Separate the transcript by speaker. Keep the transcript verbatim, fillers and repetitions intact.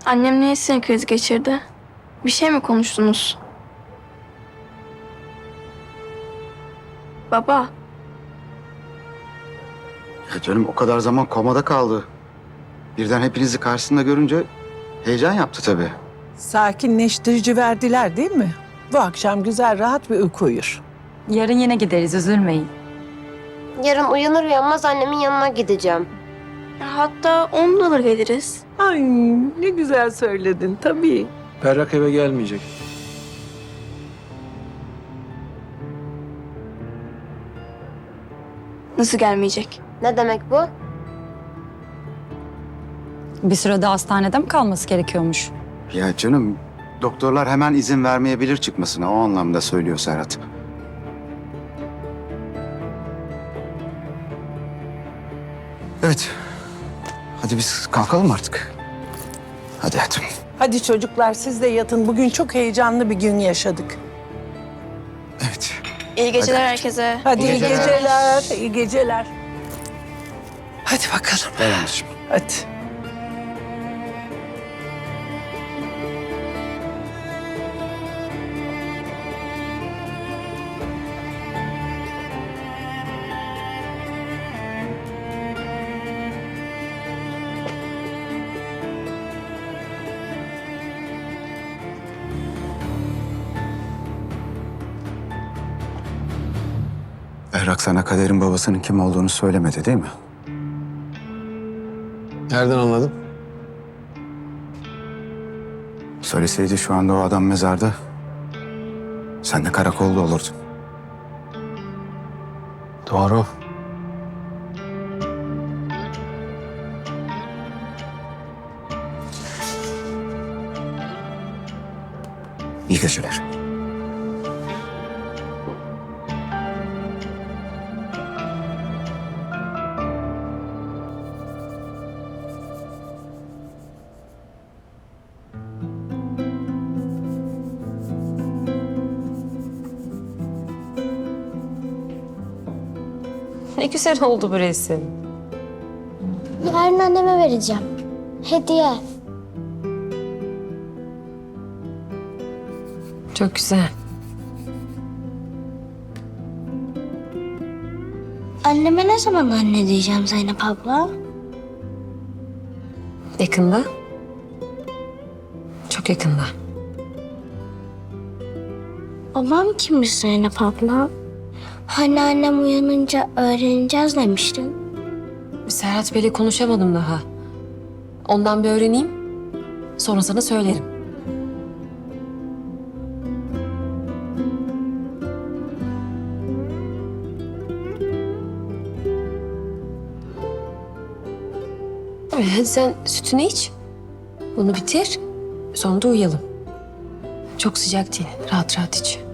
Speaker 1: Annem niye sinir krizi geçirdi? Bir şey mi konuştunuz? Baba,
Speaker 2: Ya canım o kadar zaman komada kaldı. Birden hepinizi karşısında görünce heyecan yaptı tabii.
Speaker 3: Sakinleştirici verdiler değil mi? Bu akşam güzel rahat bir uyku uyur.
Speaker 4: Yarın yine gideriz, üzülmeyin.
Speaker 5: Yarın uyanır uyanmaz annemin yanına gideceğim.
Speaker 1: hatta onu da alır geliriz.
Speaker 3: Ay ne güzel söyledin tabii.
Speaker 6: Berrak eve gelmeyecek.
Speaker 1: Nasıl gelmeyecek?
Speaker 5: Ne demek bu?
Speaker 4: Bir sürede hastanede mi kalması gerekiyormuş?
Speaker 2: Ya canım doktorlar hemen izin vermeyebilir çıkmasına. O anlamda söylüyor Serhat. Evet. Hadi biz kalkalım artık. Hadi hayatım.
Speaker 3: Hadi çocuklar siz de yatın. Bugün çok heyecanlı bir gün yaşadık.
Speaker 2: Evet.
Speaker 1: İyi geceler
Speaker 2: Hadi.
Speaker 1: herkese.
Speaker 3: Hadi iyi
Speaker 2: geceler.
Speaker 3: geceler. İyi geceler. Hadi bakalım.
Speaker 2: Gel anneciğim.
Speaker 3: Hadi.
Speaker 2: Berrak sana Kader'in babasının kim olduğunu söylemedi değil mi?
Speaker 6: Nereden anladın?
Speaker 2: Söyleseydi şu anda o adam mezarda. Sen de karakolda olurdun.
Speaker 6: Doğru.
Speaker 2: İyi geceler.
Speaker 7: Ne güzel oldu bu resim.
Speaker 8: Yarın anneme vereceğim. Hediye.
Speaker 7: Çok güzel.
Speaker 8: Anneme ne zaman anne diyeceğim Zeynep abla?
Speaker 7: Yakında. Çok yakında.
Speaker 8: Babam kimmiş Zeynep abla? Hani annem uyanınca öğreneceğiz demiştin.
Speaker 7: Serhat Bey'le konuşamadım daha. Ondan bir öğreneyim. Sonra sana söylerim. Hadi sen sütünü iç. Bunu bitir. Sonra da uyuyalım. Çok sıcak değil. Rahat rahat iç.